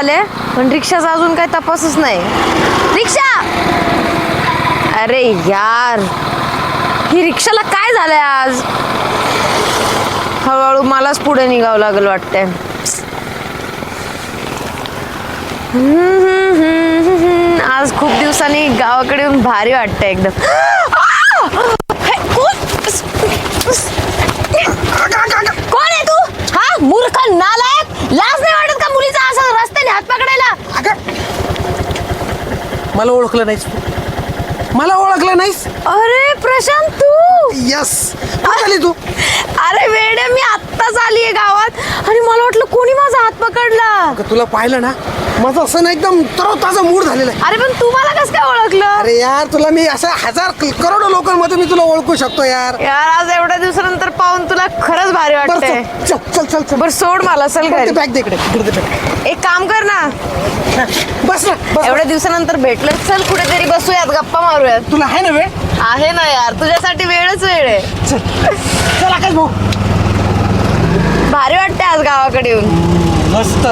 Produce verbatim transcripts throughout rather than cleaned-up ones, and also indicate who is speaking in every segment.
Speaker 1: आले पण रिक्षाचा अजून काही तपासच नाही. रिक्षा, अरे यार ही रिक्षाला काय झालंय आज. हळूहळू मलाच पुढे निघावं लागेल वाटतंय. आज खूप दिवसांनी गावाकडे येऊन भारी वाटतंय एकदम. कोण आहे तू? हा मूर्ख नालायक, लाज नाही वाटत का मुलीचा असं रस्त्याने हात पकडायला?
Speaker 2: मला ओळखलं नाहीस तू, मला ओळखलं नाहीस.
Speaker 1: अरे प्रशांत तू.
Speaker 2: यस, आली तू.
Speaker 1: अरे वेडे, मी आत्ताच आलीये गावात आणि मला वाटलं कोणी माझा हात पकडला.
Speaker 2: तुला पाहिलं ना, माझं असं ना एकदम तरोताजा मूड झालेला आहे.
Speaker 1: अरे पण तू मला कसं काय ओळखलं?
Speaker 2: अरे यार, तुला मी असं हजार करोडो लोकांमध्ये मी तुला ओळखू शकतो यार.
Speaker 1: यार आज एवढ्या दिवसानंतर पाहून तुला खरंच भारी
Speaker 2: बरं,
Speaker 1: वाटतंय.
Speaker 2: चल चल चल चल.
Speaker 1: बर सोड मला, चल घरी.
Speaker 2: बॅग दे इकडे, इकडे दे bag.
Speaker 1: एक काम कर ना,
Speaker 2: बस ना बस.
Speaker 1: एवढ्या दिवसानंतर भेटलं, चल कुठेतरी बसूयात, गप्पा मारूयात.
Speaker 2: तुला आहे ना वेळ?
Speaker 1: आहे ना यार, तुझ्यासाठी वेळच वेळ आहे.
Speaker 2: चल चल आकाश भाऊ.
Speaker 1: भारी वाटतंय आज गावाकडे येऊन.
Speaker 2: मस्त.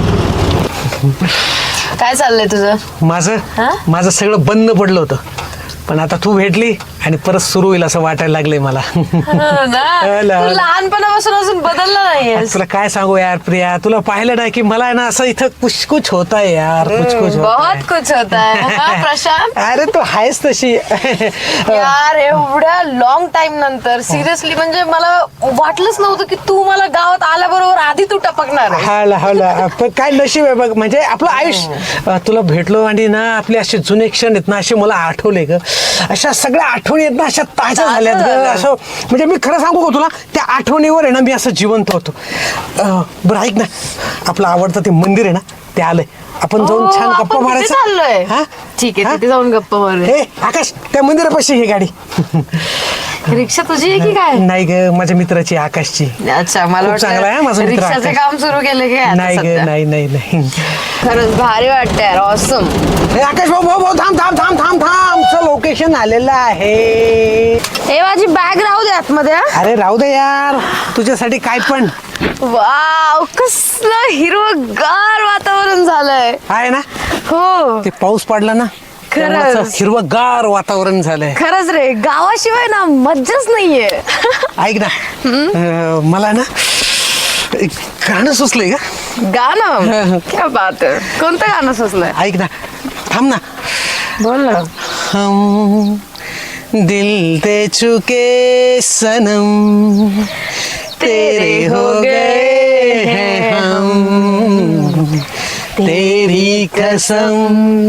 Speaker 1: काय चाललंय तुझं?
Speaker 2: माझं
Speaker 1: हा?
Speaker 2: माझं सगळं बंद पडलं होतं, पण आता तू भेटली आणि परत सुरू होईल असं वाटायला लागलंय मला.
Speaker 1: हो ना? तू लहानपणापासून अजून बदलला नाहीयेस.
Speaker 2: तुला काय सांगू यार प्रिया, तुला पाहिलं ना की मला ना असं इथं कुछ कुछ होता है यार, कुछ कुछ होता
Speaker 1: बहुत
Speaker 2: है.
Speaker 1: कुछ होता है हा, प्रशांत.
Speaker 2: अरे तू आहेस तशी.
Speaker 1: यार एवढ्या लॉंग टाइम नंतर सिरियसली म्हणजे मला वाटलंच नव्हतं की तू मला गावात आल्याबरोबर आधी तू टपकणार आहे.
Speaker 2: हा हा, पण काय नशीब आहे बघ, म्हणजे आपलं आयुष्य. अं, तुला भेटलो आणि ना आपले असे जुने क्षण आहेत ना, असे मला आठवले ग. अशा सगळ्या आठवणी आहेत ना, अशा ताज्या झाल्यात ग. असं म्हणजे मी खरं सांगू का तुला, त्या आठवणीवर आहे ना मी असं जिवंत होतो. अं, बरं ऐक ना, आपलं आवडतं ते मंदिर आहे ना, ते आलंय. आपण जाऊन
Speaker 1: ओ,
Speaker 2: छान
Speaker 1: आपण
Speaker 2: गप्पा
Speaker 1: तिथे
Speaker 2: मारायचं.
Speaker 1: चाललोय.
Speaker 2: हा?
Speaker 1: ठीक आहे,
Speaker 2: हा?
Speaker 1: तिथे जाऊन गप्पा मारूया.
Speaker 2: हे आकाश, त्या मंदिरापाशी ही गाडी.
Speaker 1: रिक्षा तुझी आहे की काय?
Speaker 2: नाही ग, माझ्या मित्राची, आकाशची.
Speaker 1: अच्छा, मला
Speaker 2: खूप चांगला आहे माझा
Speaker 1: वाटतं
Speaker 2: मित्र
Speaker 1: रिक्षाचं
Speaker 2: आकाश.
Speaker 1: काम सुरू केलं की आता
Speaker 2: नाही ग,
Speaker 1: सध्या?
Speaker 2: नाही नाही नाही.
Speaker 1: खरंच भारी वाटतंय यार, ऑसम.
Speaker 2: हे आकाश भाऊ भाऊ भाऊ थांब थांब थांब थांब थांब, आमचं लोकेशन आलेलं आहे.
Speaker 1: हे माझी बॅग राहू दे आतमध्ये. हा?
Speaker 2: अरे राहू दे यार, तुझ्यासाठी काय पण
Speaker 1: वाव, कसलं हिरवगार वातावरण झालंय.
Speaker 2: आहे ना.
Speaker 1: हो
Speaker 2: ते पाऊस पडला ना,
Speaker 1: खरंच.
Speaker 2: हिरवगार वातावरण झालंय.
Speaker 1: खरंच रे, गावाशिवाय ना मज्जाच नाहीये.
Speaker 2: ऐक ना, अं, मला ना एक गाणं सुचलंय का.
Speaker 1: गाणं क्या बात आहे. कोणतं गाणं सुचलंय?
Speaker 2: ऐक ना, थांब ना.
Speaker 1: बोल ना.
Speaker 2: हम दिल दे चुके सनम, तेरे हो गए हैं हम, तेरी कसम.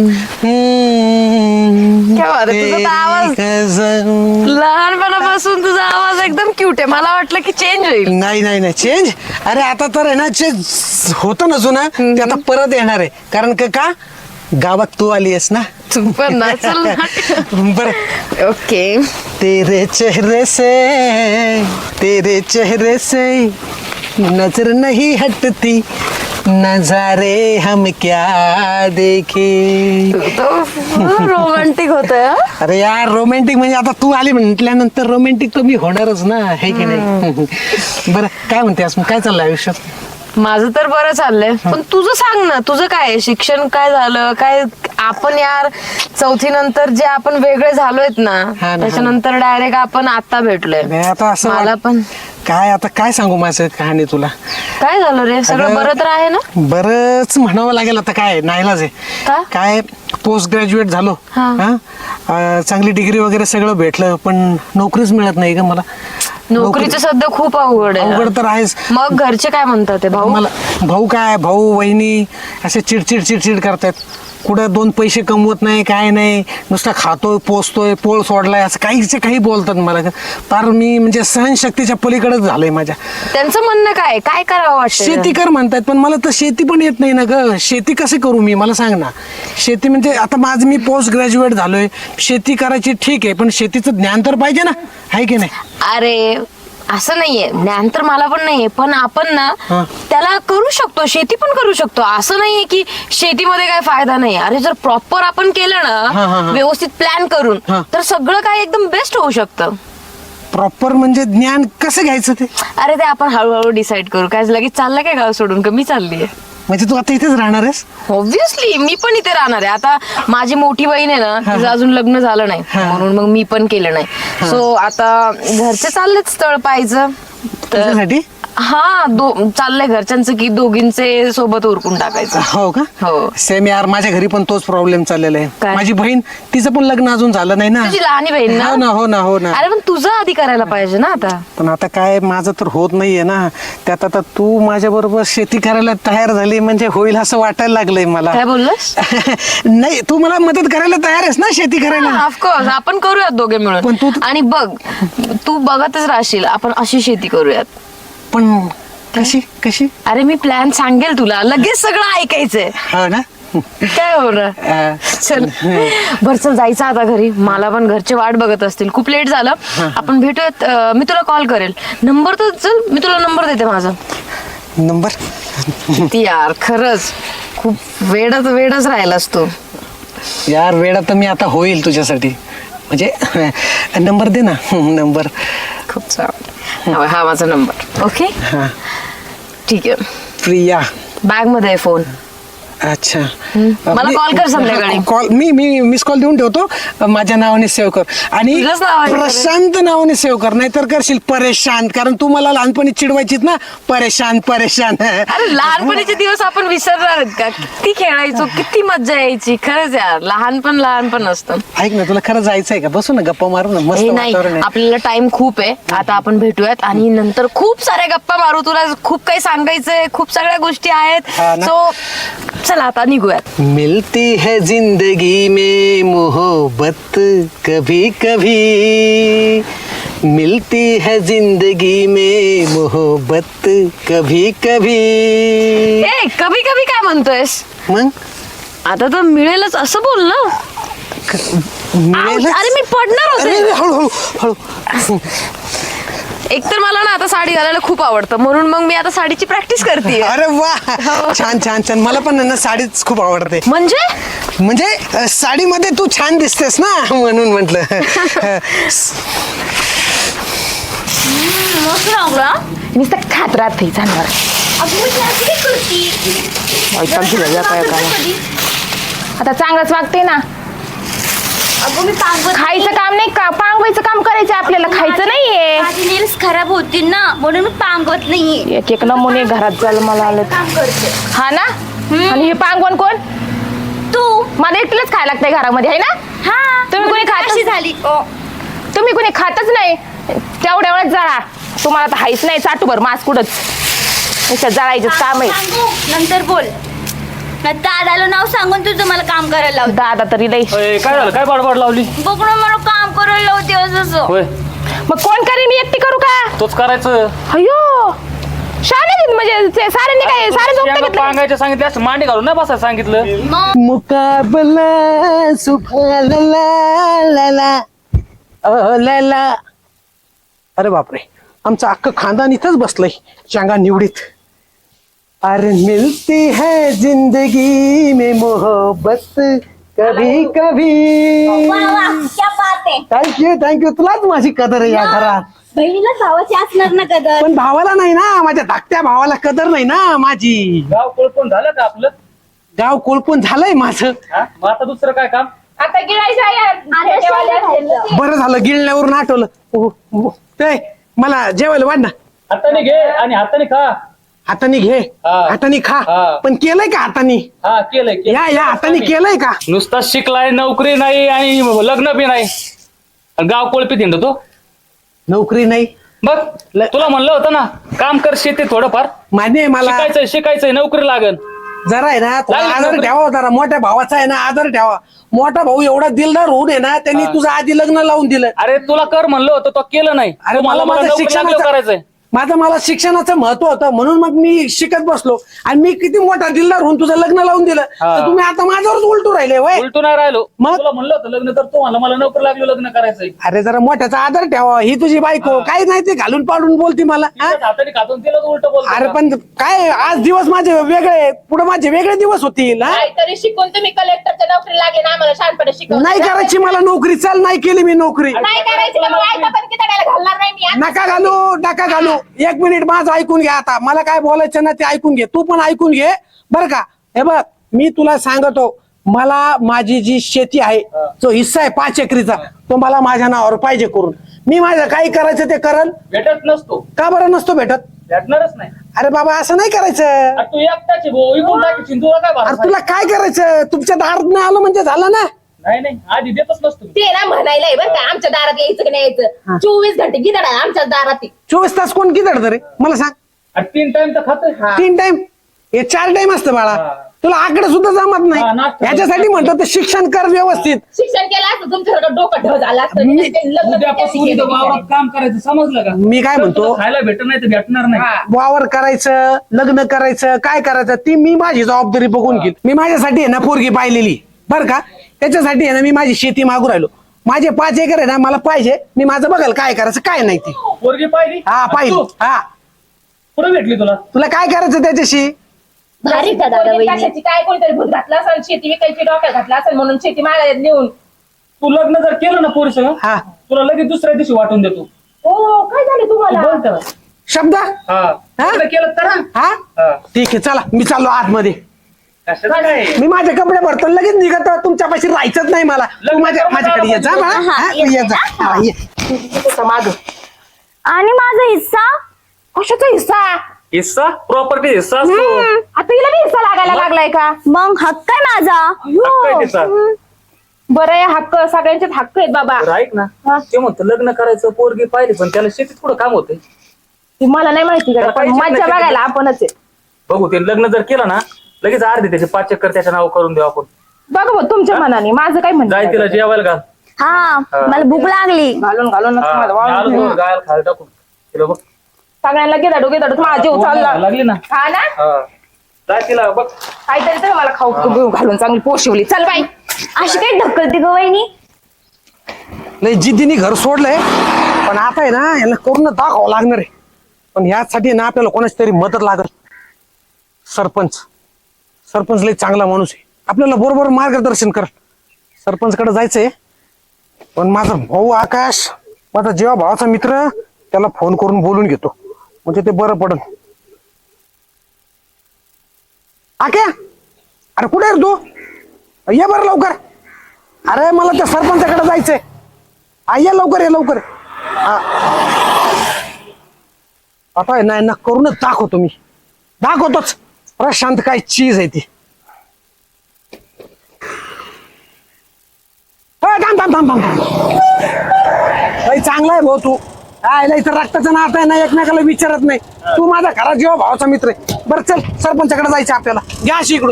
Speaker 1: क्या बात आहे, तुझा तर आवाज
Speaker 2: कसम.
Speaker 1: लहानपणापासून तुझा आवाज एकदम क्यूट आहे. मला वाटलं की चेंज होईल.
Speaker 2: नाही नाही नाही चेंज. अरे आता तर आहे ना, जे होतं ना जुनं ते आता परत येणार आहे. कारण का का गावात तू आली आहेस ना.
Speaker 1: तू पण ना, चल ना.
Speaker 2: बरं.
Speaker 1: ओके.
Speaker 2: तेरे चेहरे से तेरे चेहरे से नजर नहीं हटती, नजारे हम क्या देखे.
Speaker 1: तू तो रोमांटिक होतोय. हा?
Speaker 2: अरे यार, रोमॅन्टिक म्हणजे आता तू आली म्हटल्यानंतर रोमॅन्टिक तर मी होणारच ना, हे की नाही. बरं काय म्हणतेस मग, काय चाललंय आयुष्यात?
Speaker 1: माझं तर बरं चाललंय, पण तुझं सांग ना, तुझं काय आहे? शिक्षण काय झालं काय? आपण यार चौथी नंतर जे आपण वेगळे झालोयत ना,
Speaker 2: हा ना,
Speaker 1: त्याच्यानंतर डायरेक्ट आपण आता भेटलोय.
Speaker 2: नाही, आता असं
Speaker 1: मला
Speaker 2: वाट-
Speaker 1: पण
Speaker 2: काय आता काय सांगू माझं कहाणी तुला.
Speaker 1: काय झालं रे? सगळं
Speaker 2: अगं,
Speaker 1: बरं तर आहे ना?
Speaker 2: बरंच म्हणावं लागेल आता. काय नाईलाज आहे.
Speaker 1: का?
Speaker 2: काय पोस्ट ग्रॅज्युएट झालो.
Speaker 1: हा.
Speaker 2: हा? अं, चांगली डिग्री वगैरे सगळं भेटलं, पण नोकरीच मिळत नाही ग मला.
Speaker 1: नोकरीचं सध्या खूप अवघड आहे.
Speaker 2: अवघड तर आहेच.
Speaker 1: मग घरचे काय म्हणतात ते भाऊ?
Speaker 2: मला भाऊ काय, भाऊ वहिनी असे चिडचिड चिडचिड करतात. कुठं दोन पैसे कमवत नाही, काय नाही, नुसता खातोय पोचतोय, पोळ सोडलाय, असं काहीच काही बोलतात मला. फार मी म्हणजे सहनशक्तीच्या पलीकडेच झालंय माझ्या.
Speaker 1: त्यांचं म्हणणं काय काय करावं वाटतं?
Speaker 2: शेती कर म्हणतात, पण मला तर शेती पण येत नाही ना ग. शेती कसे करू मी, मला सांग ना. शेती म्हणजे आता माझं मी पोस्ट ग्रॅज्युएट झालोय, शेती करायची ठीक आहे, पण शेतीचं ज्ञान तर पाहिजे ना, आहे की नाही.
Speaker 1: अरे असं नाहीये, ज्ञान तर मला पण नाहीये, पण आपण ना
Speaker 2: हा.
Speaker 1: त्याला करू शकतो, शेती पण करू शकतो. असं नाहीये की शेतीमध्ये काय फायदा नाही. अरे जर प्रॉपर आपण केलं
Speaker 2: हा, हा,
Speaker 1: ना,
Speaker 2: हा.
Speaker 1: व्यवस्थित प्लॅन करून,
Speaker 2: हा.
Speaker 1: तर सगळं काय एकदम बेस्ट होऊ शकतं.
Speaker 2: प्रॉपर म्हणजे ज्ञान कसं घ्यायचं ते.
Speaker 1: अरे ते आपण हळूहळू डिसाईड करू. काय लगेच चाललं काय गाव सोडून, का मी चाललीये?
Speaker 2: म्हणजे तू आता इथेच राहणार आहेस?
Speaker 1: ऑब्विसली मी पण इथे राहणार आहे. आता माझी मोठी बहीण आहे ना, तिचं अजून लग्न झालं नाही, म्हणून मग मी पण केलं नाही. सो आता घरचे चाललेत स्थळ पाहायचं.
Speaker 2: तुझ्यासाठी?
Speaker 1: हा, दो चाललंय घरच्यांचं की दोघींचे सोबत उरकून टाकायचं.
Speaker 2: हो का?
Speaker 1: हो.
Speaker 2: सेम यार, माझ्या घरी पण तोच प्रॉब्लेम चाललेला आहे.
Speaker 1: काय?
Speaker 2: माझी बहीण, तिचं पण लग्न अजून झालं नाही ना.
Speaker 1: तुझी लहानी बहीण ना?
Speaker 2: हो ना हो ना हो ना.
Speaker 1: अरे पण तुझं आधी करायला पाहिजे ना आता.
Speaker 2: पण आता काय, माझं तर होत नाहीये ना. त्यात आता तू माझ्या बरोबर शेती करायला तयार झाली म्हणजे होईल असं वाटायला लागलंय मला.
Speaker 1: काय बोललास?
Speaker 2: नाही, तू मला मदत करायला तयार आहेस ना शेती करायला?
Speaker 1: ऑफकोर्स आपण करूयात दोघे
Speaker 2: पण
Speaker 1: मिळून.
Speaker 2: तू-
Speaker 1: आणि बघ, तू बघतच राहशील, आपण अशी शेती करूयात.
Speaker 2: पण कशी कशी?
Speaker 1: अरे मी प्लॅन सांगेल तुला, लगेच सगळं ऐकायचंय.
Speaker 2: हो ना.
Speaker 1: काय होणार?
Speaker 2: अं,
Speaker 1: चल बर, चल जायचं आता घरी. मला पण घरचे वाट बघत असतील, खूप लेट झालं. आपण भेटूयात. अं, मी तुला कॉल करेल. नंबर तर चल, मी तुला नंबर देते माझा.
Speaker 2: नंबर?
Speaker 1: ती यार खरंच खूप वेडच वेडच राहिलास तू.
Speaker 2: यार वेळा तर मी आता होईल तुझ्यासाठी. म्हणजे नंबर दे ना. नंबर.
Speaker 1: खूप चांगलं. हा हा माझा नंबर. ओके,
Speaker 2: हा.
Speaker 1: ठीक आहे.
Speaker 2: प्रिया.
Speaker 1: बॅग मध्ये आहे फोन.
Speaker 2: अच्छा.
Speaker 1: मला
Speaker 2: मी-
Speaker 1: call कर संध्याकाळी.
Speaker 2: हा, कॉल मी मी मिस कॉल देऊन ठेवतो. माझ्या नावाने सेव्ह कर. आणि
Speaker 1: तुझ्याच नावाने कर.
Speaker 2: प्रशांत नावाने सेव्ह कर, नाहीतर करशील परेशान. कारण तू मला लहानपणी चिडवायचीत ना, परेशान परेशान.
Speaker 1: अरे लहानपणीचे दिवस आपण विसरणार आहेत का? किती खेळायचो, किती मज्जा यायची. खरंच यार, लहानपण लहानपण असतं.
Speaker 2: ऐक ना, तुला खरं जायचंय का? बसू ना, गप्पा मारू ना, मस्त
Speaker 1: हे नाही,
Speaker 2: वातावरण आहे.
Speaker 1: आपल्याला टाइम खूप आहे. आता आपण भेटूयात आणि नंतर खूप साऱ्या गप्पा मारू. तुला खूप काही सांगायचंय, खूप सगळ्या गोष्टी आहेत.
Speaker 2: हा ना.
Speaker 1: सो चला आता निघूयात.
Speaker 2: मिलती है जिंदगी में मोहब्बत कभी कभी, मिलती है जिंदगी में मोहब्बत कभी कभी.
Speaker 1: ए कभी कभी काय म्हणतोयस?
Speaker 2: मग
Speaker 1: आता तर मिळेलच असं बोल ना.
Speaker 2: मिळेलच?
Speaker 1: अरे मी पडणार
Speaker 2: अरे
Speaker 1: होते.
Speaker 2: अरे, हळू हळू हळू.
Speaker 1: एकतर मला ना आता साडी घालायला खूप आवडतं, म्हणून मग मी आता साडीची प्रॅक्टिस करते.
Speaker 2: अरे वा, छान छान छान. मला पण ना साडीच खूप आवडते.
Speaker 1: म्हणजे
Speaker 2: म्हणजे अ, साडीमध्ये तू छान दिसतेस ना, म्हणून म्हटलं.
Speaker 1: नुसतं खात राहते जानवर.
Speaker 3: आता चांगलंच वागते ना. खायचं काम नाही का, पांगवायचं काम करायचं आपल्याला. खायचं नाहीये.
Speaker 4: माझी नेल्स खराब होतील ना, म्हणून मी पांगवत नाहीये.
Speaker 3: एक एक नमुने घरात झालं मला आलं.
Speaker 4: काम करते
Speaker 3: हा ना. आणि हे पांगवण कोण?
Speaker 4: तू.
Speaker 3: मला एकटीलाच खायला लागतंय घरामध्ये, आहे ना.
Speaker 4: हा,
Speaker 3: तुम्ही कोणी खातच-
Speaker 4: अशी झाली.
Speaker 3: तुम्ही कोणी खातच नाही. तेवढ्या वेळेस जळा. तुम्हाला तर हायच नाही चाटूभर मास कुठंच. नुसतं जळायचं काम आहे.
Speaker 4: सांगू, नंतर बोल. ना दादाला नाव सांगून तुझं मला काम करायला लावते.
Speaker 3: दादा तरी लई.
Speaker 5: अय, काय झालं? काय बडबड लावली?
Speaker 4: बघ ना, मला काम करायला लावते असं.
Speaker 5: होय,
Speaker 3: मग कोण करेन, मी एकटी करू का?
Speaker 5: तोच करायचं.
Speaker 3: अयो शाने देत म्हणजे ते साऱ्यांनी काय सारे झोपता
Speaker 5: शेंगा
Speaker 3: घेतलं.
Speaker 5: पांगायचं सांगितलं, असं मांडी घालून नाही बसायला सांगितलं.
Speaker 4: मग
Speaker 2: मुकाबला सुखा ला ला ला ला अ, ला ला. अरे बापरे, आमचं अख्खं खानदान इथंच बसलंय चांगा निवडीत. अरे मिलती है जिंदगी में मोहब्बत कभी कभी.
Speaker 4: वा वा, क्या बात आहे.
Speaker 2: Thank you thank you. तुलाच माझी कदर आहे या घरात.
Speaker 4: बहिणीला भावाची असणार ना कदर.
Speaker 2: पण भावाला नाही ना, माझ्या धाकट्या भावाला कदर नाही ना माझी.
Speaker 5: गाव कोळपून झालं का आपलं?
Speaker 2: गाव कोळपून झालंय माझं.
Speaker 5: हा? मग आता दुसरं काय काम?
Speaker 3: आता गिळायचं आहे यार.
Speaker 4: अरे,
Speaker 3: ठेवायला असेल ना.
Speaker 2: बरं झालं गिळण्यावरून आठवलं. ओ, ओ, ते मला जेवायला वाढ ना.
Speaker 5: हाताने घे आणि हाताने खा.
Speaker 2: हाताने घे,
Speaker 5: हा.
Speaker 2: हाताने खा.
Speaker 5: हा.
Speaker 2: पण केलंय का हाताने?
Speaker 5: हा, केलंय केलंय.
Speaker 2: या या हाताने केलंय का?
Speaker 5: नुसता शिकलाय, नोकरी नाही आणि लग्न बी नाही. आणि गाव कोळपीत हिंडतो तो.
Speaker 2: नोकरी नाही.
Speaker 5: बघ,
Speaker 2: ल-
Speaker 5: तुला म्हणलं होतं ना, काम कर शेती थोडंफार.
Speaker 2: मान्य आहे मला.
Speaker 5: शिकायचंय शिकायचंय नोकरी लागन.
Speaker 2: जरा आहे ना थोडा
Speaker 5: लागली
Speaker 2: आदर
Speaker 5: नोकरी.
Speaker 2: ठेवा. जरा मोठ्या भावाचा आहे ना आदर ठेवा. मोठा भाऊ एवढा दिलदार होऊन आहे ना, त्यांनी
Speaker 5: हा.
Speaker 2: तुझं आधी लग्न लावून दिलं.
Speaker 5: अरे तुला कर म्हणलं होतं, तो केलं नाही.
Speaker 2: अरे
Speaker 5: तू
Speaker 2: मला
Speaker 5: मला
Speaker 2: माझं
Speaker 5: नोकरी लागल्यावर
Speaker 2: शिक्षणाचं
Speaker 5: करायचंय.
Speaker 2: माझं मला शिक्षणाचं महत्व होतं, म्हणून मग मी शिकत बसलो. आणि मी किती मोठा दिलदार होऊन तुझं लग्न लावून दिलं,
Speaker 5: हा.
Speaker 2: तर तुम्ही आता माझ्यावरच उलटू राहिले वय.
Speaker 5: उलटू नाही राहिलो.
Speaker 2: मग?
Speaker 5: तुला म्हणलं होतं लग्न तर तू म्हणलं मला नोकरी लागली, लग्न करायचंय.
Speaker 2: अरे जरा मोठ्याचा आदर ठेवा. ही तुझी बायको
Speaker 5: हा.
Speaker 2: काही नाही ते घालून पाडून बोलती मला. हा?
Speaker 5: तिच्याच हाताने खातून तिला उलट बोलतो
Speaker 2: अरे
Speaker 5: का?
Speaker 2: पण काय आज दिवस माझे वेगळे, पुढे माझे वेगळे दिवस होतील. हा?
Speaker 3: तरी शिकून तुम्ही कलेक्टरच्या नोकरी लागेल आम्हाला शहाणपणे शिकवून.
Speaker 2: नाही करायची मला नोकरी. चल, नाही केली मी नोकरी.
Speaker 3: नाही करायची तर मग ऐका पण किती टाळायला घालणार नाही मी.
Speaker 2: नका घालू नका घालू. एक मिनिट माझं ऐकून घ्या. आता मला काय बोलायचं ना ते ऐकून घे. तू पण ऐकून घे. बरं का? हे बघ मी तुला सांगतो, मला माझी जी शेती आहे जो हिस्सा आहे पाच एकरीचा तो मला माझ्या नावावर पाहिजे करून. मी माझं काही करायचं ते करल.
Speaker 5: भेटत नसतो,
Speaker 2: का बरं नसतो भेटत?
Speaker 5: भेटणारच नाही.
Speaker 2: अरे बाबा असं नाही करायचं.
Speaker 5: अरे तू एकटाची भाऊ इकडून टाकील, तुला काय
Speaker 2: अरे
Speaker 5: भरोसा
Speaker 2: तुला
Speaker 5: आहे?
Speaker 2: काय करायचं? तुमच्या दारात नाही आलं म्हणजे झालं ना.
Speaker 5: नाही नाही आधी देतच नसतो.
Speaker 3: ते ना म्हणायला बरं का आमच्या दारात यायचं की नाही यायचं चोवीस घंटे गिदाड आहे आमच्या दारात.
Speaker 2: चोवीस तास कोण किती रे मला सांग.
Speaker 5: अरे तीन टाइम तर खातोय.
Speaker 2: तीन टाइम हे चार टाइम असतं बाळा.
Speaker 5: हा.
Speaker 2: तुला आकडे सुद्धा जमत
Speaker 5: हा,
Speaker 2: नाही.
Speaker 5: नाश्ता.
Speaker 2: याच्यासाठी म्हणतो ते शिक्षण कर व्यवस्थित.
Speaker 3: शिक्षण केलं असतं तुमच्याकडे डोकं ढ झालं असतं.
Speaker 2: मी-
Speaker 3: ते लग्न
Speaker 5: उद्यापासून
Speaker 3: केलं
Speaker 5: इथं वावरात काम करायचं, समजलं का?
Speaker 2: मी काय
Speaker 5: तर
Speaker 2: म्हणतो?
Speaker 5: तुला खायला भेटत नाही तर भेटणार नाही.
Speaker 2: वावर करायचं, लग्न करायचं, काय करायचं ती मी माझी जबाबदारी बघून घेईल. मी माझ्यासाठी आहे ना पोरगी पाहिलेली बरं का. त्याच्यासाठी आहे ना मी माझी शेती मागू राहिलो. माझे पाच एकर आहे ना मला पाहिजे. मी माझं बघाल काय करायचं काय नाही ते.
Speaker 5: पोरगी पाहिली?
Speaker 2: हा पाहिजे.
Speaker 5: तू
Speaker 2: हा
Speaker 5: कुठे भेटली तुला?
Speaker 2: तुला काय करायचं त्याच्याशी?
Speaker 4: भारी का दादा
Speaker 3: पोरगी
Speaker 4: वहिनी?
Speaker 3: कशाची काय कोणतरी भूत घातलं असेल शेती विकायची डोक्यात घातलं असेल म्हणून शेती मागायला नेऊन.
Speaker 5: तू लग्न जर केलं ना पोरी सगळं,
Speaker 2: हा
Speaker 5: तुला लगेच दुसऱ्या दिवशी वाटून देतो.
Speaker 3: हो काय झालं तुम्हाला?
Speaker 5: बोल त्याला.
Speaker 2: शब्द
Speaker 5: हा
Speaker 2: हा?
Speaker 5: लग्न केलं तर हा?
Speaker 2: हा
Speaker 5: हा.
Speaker 2: ठीक आहे चला मी चाललो आतमध्ये.
Speaker 5: कशाचं काय?
Speaker 2: मी माझे कपडे भरतो लगेच निघतो. तुमच्यापाशी राहायचंच नाही मला. तू
Speaker 5: लग्न
Speaker 2: माझ्या
Speaker 5: करून
Speaker 2: माझ्याकडे ये जा
Speaker 5: जायला
Speaker 2: बाळा.
Speaker 4: हा,
Speaker 2: हा,
Speaker 4: ये
Speaker 2: ये जा. हा, ये.
Speaker 3: तसं माग
Speaker 4: आणि माझा हिस्सा?
Speaker 3: कशाचा हिस्सा?
Speaker 5: हिस्सा प्रॉपर्टी हिस्सा असतो.
Speaker 3: हम्म, आता हिला बी हिस्सा लागायला लागलाय का?
Speaker 4: मग हक्क आहे माझा.
Speaker 5: हक्क आहे तिचा.
Speaker 3: बरं आहे हक्क सगळ्यांचेच हक्क आहेत बाबा.
Speaker 5: बरं, ऐक ना ते म्हणतो लग्न करायचं पोरगी पाहिली पण त्याला शेतीत कुठं काम होते.
Speaker 3: ते मला नाही माहिती का
Speaker 5: त्याला
Speaker 3: पण
Speaker 5: पाहिजेच नाही
Speaker 3: मज्जा
Speaker 5: शेतीत.
Speaker 3: बघायला आपणच आहे.
Speaker 5: बघू ते लग्न जर केलं ना लगेच अर्धे त्याचे पाच चक्कर त्याच्या नाव करून देऊ आपण.
Speaker 3: बघा भाऊ तुमच्या मनाने माझं काय म्हणणं
Speaker 5: जाय
Speaker 3: आहे?
Speaker 5: तिला जेवायला घाल.
Speaker 4: हा मला भूक लागली.
Speaker 3: घालून घालून
Speaker 5: हा,
Speaker 3: नसतं मला
Speaker 5: मी आलो
Speaker 3: वाळून.
Speaker 5: तो गायला खायला टाकून तिला बघ.
Speaker 3: सगळ्यांना घेदाडू घेदाडू माझा जीव चालला
Speaker 5: लागली ना.
Speaker 3: हा ना
Speaker 5: हा जाय तिला बघ.
Speaker 3: काहीतरी तर मला खाऊ बिऊ घालून चांगली पोशिवली. चल बाई.
Speaker 4: अशी काही ढकलते ग वहिनी?
Speaker 2: लय जिद्दीने घर सोडलंय पण आता आहे ना यांना करून दाखवावं लागणार आहे. पण यासाठी ना आपल्याला कोणाची तरी मदत लागल. सरपंच सरपंच लय चांगला माणूस आहे. आपल्याला बरोबर मार्गदर्शन कर. सरपंच कडे जायचंय पण माझा भाऊ आकाश माझा जेव्हा भावाचा मित्र त्याला फोन करून बोलून घेतो म्हणजे ते बरं पडन. आक्या अरे कुठे आहे रे तू? ये बरं लवकर. अरे मला त्या सरपंचाकडे जायचंय. आ ये लवकर ये लवकर. हा. आता आहे ना यांना करूनच दाखवतो मी. दाखवतोच प्रशांत काय चीज आहे ती. अय, थांब थांब थांब थांब थांब. लय चांगला आहे भाऊ तू. काय लय तर रक्ताचं नातं आहे ना एकमेकाला विचारत नाही. तू माझा घरात जेव्हा भावाचा मित्र आहे. बरं चल सरपंचाकडे जायचं आपल्याला. घ्या अशी इकडून.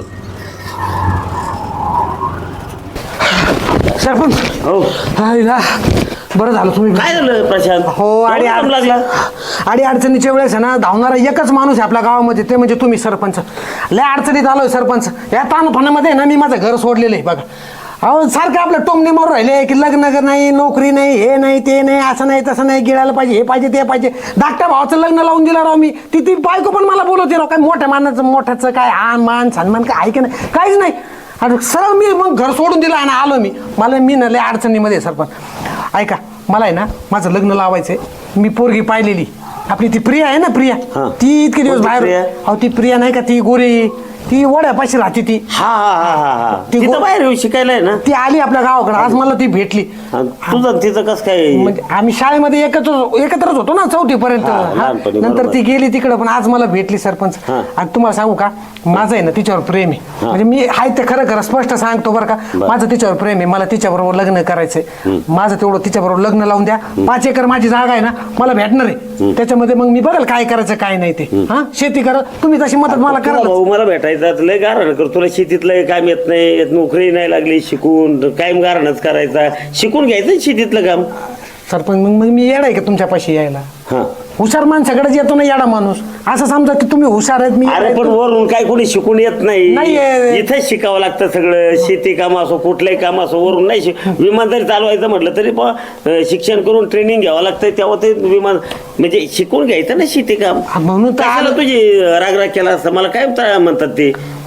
Speaker 2: सरपंच
Speaker 6: हो
Speaker 2: हायला, बरं झालं तुम्ही.
Speaker 6: काय झालं प्रशांत?
Speaker 2: हो आणि
Speaker 6: एवढा दम लागला
Speaker 2: आणि अडचणीच्या वेळेस आहे ना धावणारा एकच माणूस आहे आपल्या गावामध्ये ते म्हणजे तुम्ही सरपंच. लय अडचणीत आलोय सरपंच. या ताणफानामध्ये ना मी माझं घर सोडलेलं आहे बघा. अहो सारखं आपलं टोमणे मारून राहिले की लग्न नाही नोकरी नाही हे नाही ते नाही असं नाही तसं नाही गिळायला पाहिजे हे पाहिजे ते पाहिजे. धाकट्या भावाचं लग्न लावून दिलं राव मी. ती ती बायको पण मला बोलवते राव काय मोठ्या मानाचं मोठ्याचं काय आन मान सन्मान काय आहे की नाही काहीच नाही. आणि सरळ मी मग घर सोडून दिलं आणि आलो मी. मला मी ना लय अडचणीमध्ये सरपंच. ऐका मला आहे ना माझं लग्न लावायचंय. मी पोरगी पाहिलेली आपली ती प्रिया आहे ना प्रिया
Speaker 6: हा.
Speaker 2: ती इतके दिवस
Speaker 6: कोणती
Speaker 2: बाहेर.
Speaker 6: प्रिया?
Speaker 2: अहो ती प्रिया नाही का ती गोरी ती वड्यापाशी राहते ती.
Speaker 6: हा हा हा हा हा
Speaker 2: ती
Speaker 6: तिथं
Speaker 2: गो-
Speaker 6: बाहेर येऊन शिकायला आहे ना.
Speaker 2: ती आली आपल्या गावाकडे आज मला ती भेटली.
Speaker 6: आणि तुझं आणि तिचं कसं काय?
Speaker 2: म्हणजे आम्ही शाळेमध्ये एकत्र एकत्रच होतो ना चौथी पर्यंत.
Speaker 6: हा, लहानपणी,
Speaker 2: नंतर
Speaker 6: बरोबर.
Speaker 2: ती गेली तिकडे पण आज मला भेटली सरपंच.
Speaker 6: हा.
Speaker 2: आणि तुम्हाला सांगू का माझं आहे ना तिच्यावर प्रेम आहे. म्हणजे मी आहे ते खरं खरं स्पष्ट सांगतो बरं का.
Speaker 6: बरं.
Speaker 2: माझं तिच्यावर प्रेम आहे. मला तिच्याबरोबर लग्न करायचंय. माझं तेवढं तिच्याबरोबर लग्न लावून द्या. पाच एकर माझी जागा आहे ना मला भेटणार आहे. त्याच्यामध्ये मग मी बघाल काय करायचं काय नाही ते. हा शेती करा तुम्ही तशी मदत मला
Speaker 6: तुला
Speaker 2: करा.
Speaker 6: भाऊ मला भेटायचा लय गारण कर. तुला शेतीतलं काम येत नाही नोकरी नाही लागली शिकून कायम गारणच करायचा. शिकून घ्यायचं शेतीतलं काम.
Speaker 2: सरपंच मग मग मी येणार का तुमच्यापाशी यायला?
Speaker 6: हा
Speaker 2: हुशार माणसाकडेच येतो ना येडा माणूस. असं समजा की तुम्ही हुशार आहेत मी
Speaker 6: अरे पण वरून काय कोणी शिकून येत
Speaker 2: नाही
Speaker 6: नाही.
Speaker 2: येत.
Speaker 6: इथेच शिकावं लागतं सगळं. शेती काम असो कुठलंही काम असो वरून नाही शिक. विमान जरी चालवायचं म्हटलं तरी पण अं, शिक्षण करून ट्रेनिंग घ्यावं लागतं तेव्हा ते विमान म्हणजे शिकून घ्यायचं ना शेती काम.
Speaker 2: हा, म्हणून तर
Speaker 6: कशाला
Speaker 2: आलो.
Speaker 6: तुझी रागराग केला असता मला काय ता- म्हणतात ते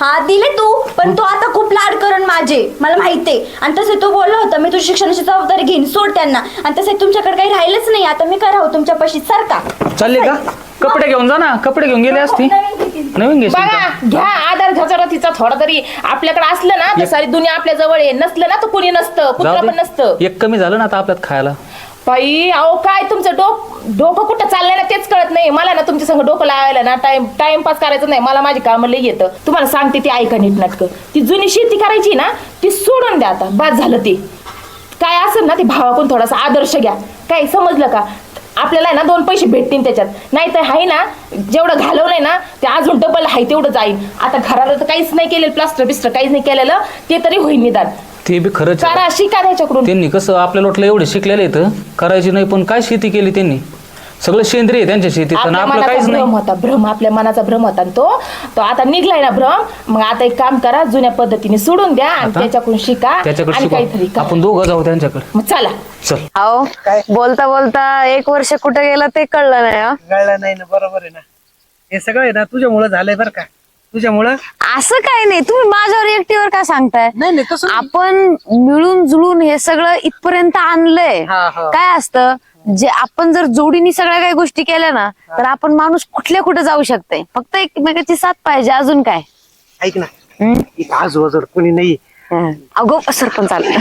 Speaker 4: हा दिले तू, पण तो आता खूप लाड करण माझे, मला माहितीये. आणि तसे तो बोलला होता मी तुझी शिक्षणाची जबाबदारी घेईन, सोड त्यांना. आणि तसे तुमच्याकडे काही राहिलंच नाही, आता मी काय राहू तुमच्या पाशी, सारखा
Speaker 5: चालले का? कपडे घेऊन जा ना, कपडे घेऊन गेले असती. नवीन घेशील
Speaker 3: बघा
Speaker 5: का?
Speaker 3: घ्या आधार घ्याचा तिचा थोडा तरी आपल्याकडे असलं ना तर सारी दुनिया आपल्या जवळ आहे, नसलं ना तर कोणी नसतं, कुत्रा
Speaker 5: जाऊ
Speaker 3: पण
Speaker 5: दे.
Speaker 3: नसतं.
Speaker 5: एक कमी झालं ना आता आपल्यात खायला.
Speaker 3: बाई अहो काय तुमचं डोक डोकं कुठं चाललंय ना तेच कळत नाही मला ना. तुमच्या संग डोकं लावायला ना टाइम टाइमपास करायचं नाही, मला माझी कामं लई येतं. तुम्हाला सांगते ती ऐका नीट नाटकं. ती जुनी शेती करायची ना ती सोडून द्या आता, बाद झालं ते. काय असेल ना ते भावाकडून थोडासा आदर्श घ्या, काय समजलं का? आपल्याला आहे ना दोन पैसे भेटतील त्याच्यात, नाही तर आहे ना जेवढं घालवलंय ना ते अजून डबल आहे तेवढं जाईल. आता घराला तर काहीच नाही केलेलं, प्लास्टर बिस्टर काहीच नाही केलेलं, ते तरी होईल निदान.
Speaker 5: ते बी खरंच आहे.
Speaker 3: करा शिका त्याच्याकडून.
Speaker 5: त्यांनी कसं आपल्या लोटलं एवढे शिकलेले इथं करायची नाही, पण काय शेती केली त्यांनी? सगळं सेंद्रिय आहे त्यांच्या शेतीत, आणि
Speaker 3: आपल्या
Speaker 5: आपलं
Speaker 3: मनाचा
Speaker 5: काहीच
Speaker 3: भ्रम
Speaker 5: नाही.
Speaker 3: होता, भ्रम आपल्या मनाचा भ्रम होता आणि तो तो आता निघलाय ना भ्रम. मग आता एक काम करा, जुन्या पद्धतीने सोडून द्या आणि
Speaker 5: आता?
Speaker 3: त्याच्याकडून शिका
Speaker 5: त्याच्याकडे
Speaker 3: आणि काहीतरी
Speaker 5: शिकू
Speaker 3: करा.
Speaker 5: आपण दोघं जाऊ त्यांच्याकडे.
Speaker 3: मग चला.
Speaker 5: चल.
Speaker 1: अहो बोलता बोलता एक वर्ष कुठे गेलं ते कळलं नाही. हा?
Speaker 2: कळलं नाही ना, बरोबर आहे ना. हे सगळं आहे ना तुझ्यामुळं झालंय बरं का, तुझ्यामुळं.
Speaker 1: असं काय नाही, तुम्ही माझ्यावर एकटीवर का सांगताय?
Speaker 2: नाही नाही तसं नाही.
Speaker 1: आपण मिळून जुळून हे सगळं इथपर्यंत आणलंय.
Speaker 2: हा, हा.
Speaker 1: काय असतं, जे आपण जर जोडीने सगळ्या काही गोष्टी केल्या ना तर आपण माणूस कुठल्या कुठे जाऊ शकते. फक्त एकमेकाची साथ पाहिजे, अजून काय.
Speaker 2: ऐक ना, इथं आजूबाजूला कोणी नाही.
Speaker 1: अगो सरपंच आला.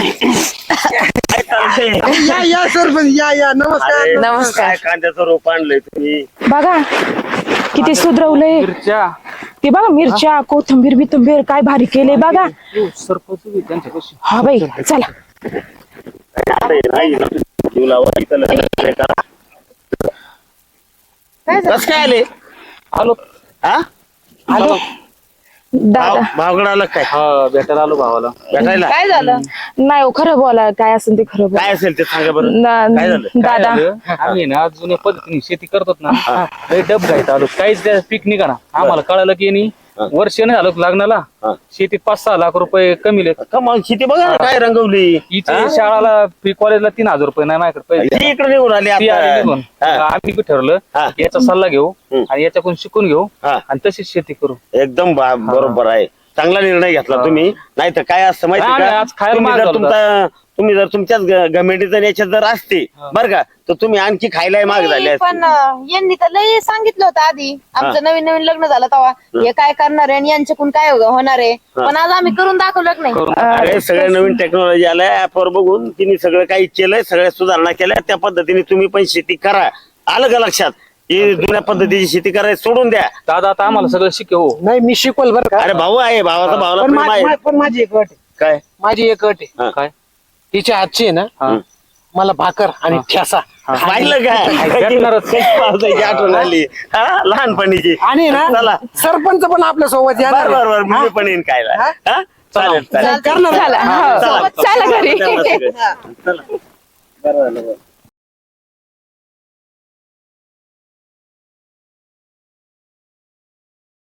Speaker 2: या या सरपंच या या, नमस्कार.
Speaker 6: अरे,
Speaker 1: नमस्कार.
Speaker 6: काय कांद्याचं रोप आणलंय तुम्ही?
Speaker 3: बघा किती सुधरवलंय ते, बघा मिरच्या कोथिंबीर बिथंबीर काय भारी केले बघा.
Speaker 5: सरपंच बी त्यांच्यापाशी.
Speaker 3: हा बाई चला.
Speaker 6: अरे, नाही ना. जीव लावा, इथं लग्न करा. कसं काय आले?
Speaker 5: आलो.
Speaker 6: हा?
Speaker 3: आलो दादा.
Speaker 6: भाव- भावगड आलं काय?
Speaker 5: हा भेटायला आलो भावाला.
Speaker 6: भेटायला
Speaker 3: काय झालं? नाही हो, खरं बोला, काय असेल ते खरं बोला.
Speaker 6: काय असेल ते सांगा बरं.
Speaker 3: ना-
Speaker 6: काय झालं?
Speaker 5: काय
Speaker 3: दादा
Speaker 5: झालं? आम्ही ना जुन्या पद्धतीने शेती करतो ना, लय डब घ्यायचा आलो, काहीच त्या पीक निघा ना. आम्हाला कळालं की नाही वर्ष नाही झालं लग्नाला,
Speaker 6: हा.
Speaker 5: शेतीत पाच सहा लाख रुपये कमी लेत.
Speaker 6: कमाल शेती बघा ना काय रंगवली.
Speaker 5: इथे शाळाला फी कॉलेजला तीन हजार रुपये नाही माझ्याकडे पैसे.
Speaker 6: ती इकडे निघून आली
Speaker 5: ती आली निघून.
Speaker 6: आता.
Speaker 5: आम्ही बी ठरवलं
Speaker 6: हा.
Speaker 5: याचा सल्ला घेऊ
Speaker 6: हम्म.
Speaker 5: आणि याच्याकडून शिकून घेऊ
Speaker 6: हा.
Speaker 5: आणि तशीच शेती करू.
Speaker 6: एकदम बा- बरोबर आहे, चांगला निर्णय घेतला तुम्ही. नाही तर काय असतं माहिती
Speaker 5: नाही,
Speaker 6: का,
Speaker 5: आज खायला
Speaker 6: तुम्ही
Speaker 5: महाग
Speaker 6: जर
Speaker 5: झालं
Speaker 6: तुमचा तुम्ही जर तुमच्याच गमेंटीत याच्यात जर असते बरं का, तर तुम्ही आणखी खायला माग झाले असते.
Speaker 7: पण अं, यांनी तर लय सांगितलं होतं आधी, आमचं नवीन नवीन लग्न झालं तेव्हा हे काय करणार आहे आणि यांच्याकडून काय होणार आहे, पण आज आम्ही करून दाखवलं की नाही.
Speaker 6: अरे सगळे नवीन टेक्नॉलॉजी आलाय, ऍपवर बघून तिने सगळं काही केलंय, सगळ्या सुधारणा केल्या. त्या पद्धतीने तुम्ही पण शेती करा. आलं का लक्षात? ही जुन्या पद्धतीची शेती करायला सोडून द्या.
Speaker 5: दादा आता आम्हाला सगळं शिकव.
Speaker 2: नाही मी शिकवल बरं का.
Speaker 6: अरे भाऊ आहे, भावाचा भावाला
Speaker 2: पण
Speaker 6: प्रेम
Speaker 2: मा-
Speaker 6: आहे.
Speaker 2: मा- पण माझी एक अट आहे.
Speaker 6: काय?
Speaker 2: माझी एक अट आहे.
Speaker 6: हा.
Speaker 5: काय?
Speaker 2: तिच्या हातची आहे ना,
Speaker 5: हा.
Speaker 2: मला भाकर आणि ठेसा
Speaker 6: पाहिलं काय?
Speaker 5: भेटणारच.
Speaker 6: पावसाची आठवण आली हा, लहानपणीची.
Speaker 2: आणि
Speaker 6: चला
Speaker 2: ना सरपंच पण आपल्या सोबत येणार
Speaker 6: बर
Speaker 2: आहे.
Speaker 6: बर बर,
Speaker 2: हा?
Speaker 6: मी पण येईन खायला.
Speaker 2: हा?
Speaker 6: हा? चालेल चालेल.
Speaker 2: करणार
Speaker 3: चला,
Speaker 6: हा,
Speaker 3: हो.
Speaker 6: चला.
Speaker 3: चला घरी.
Speaker 6: चला, चला. चला. बरं झालं, बरं.